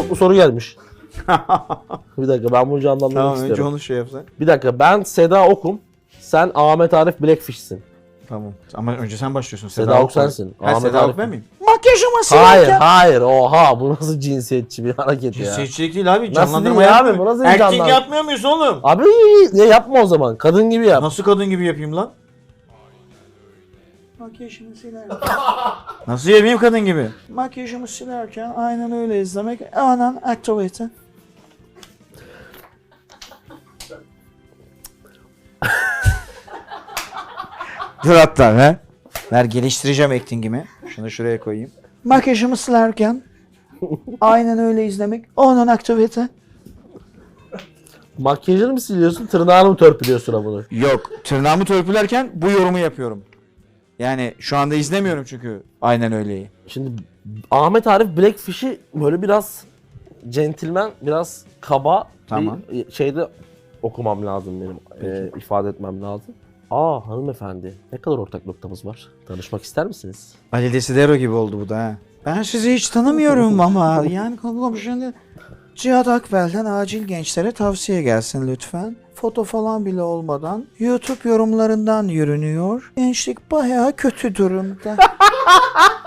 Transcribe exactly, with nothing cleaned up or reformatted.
Stoplu soru gelmiş. Bir dakika ben bunu canlandırmak Tamam istiyorum. önce onu şey yapsan. Bir dakika ben Seda Okum. Sen Ahmet Arif Blackfish'sin. Tamam. Ama önce sen başlıyorsun. Seda Ok Ok sensin. Ha, Ahmet Seda Arif- Ok ben miyim? Makyajımı Hayır silerken. hayır oha bu nasıl cinsiyetçi bir hareket ya. Cinsiyetçilik değil abi. Nasıl Canlandırma değil abi, yapmıyor. bu nasıl bir Erkek canlandırma? yapmıyor muyuz oğlum? Abi ne yapma o zaman kadın gibi yap. Nasıl kadın gibi yapayım lan? Makyajımı silerken. Nasıl yapayım kadın gibi? Makyajımı silerken aynen öyle izlemek. Anan aktivite. Dur hatta he. Ver geliştireceğim actingimi. Şunu şuraya koyayım. Makyajımı silerken aynen öyle izlemek. Onun aktivite. Makyajını mı siliyorsun tırnağını mı törpülüyorsun amına? Yok. Tırnağımı törpülerken bu yorumu yapıyorum. Yani şu anda izlemiyorum çünkü aynen öyleyi. Şimdi Ahmet Arif Blackfish'i böyle biraz centilmen, biraz kaba Tamam. bir şeyde okumam lazım benim. e, ifade etmem lazım. Aa hanımefendi ne kadar ortak noktamız var. Tanışmak ister misiniz? Ali Desidero gibi oldu bu da ha. Ben sizi hiç tanımıyorum ama yani komşunun Cihat Akbel'den acil gençlere tavsiye gelsin lütfen. Foto falan bile olmadan YouTube yorumlarından yürünüyor. Gençlik bayağı kötü durumda.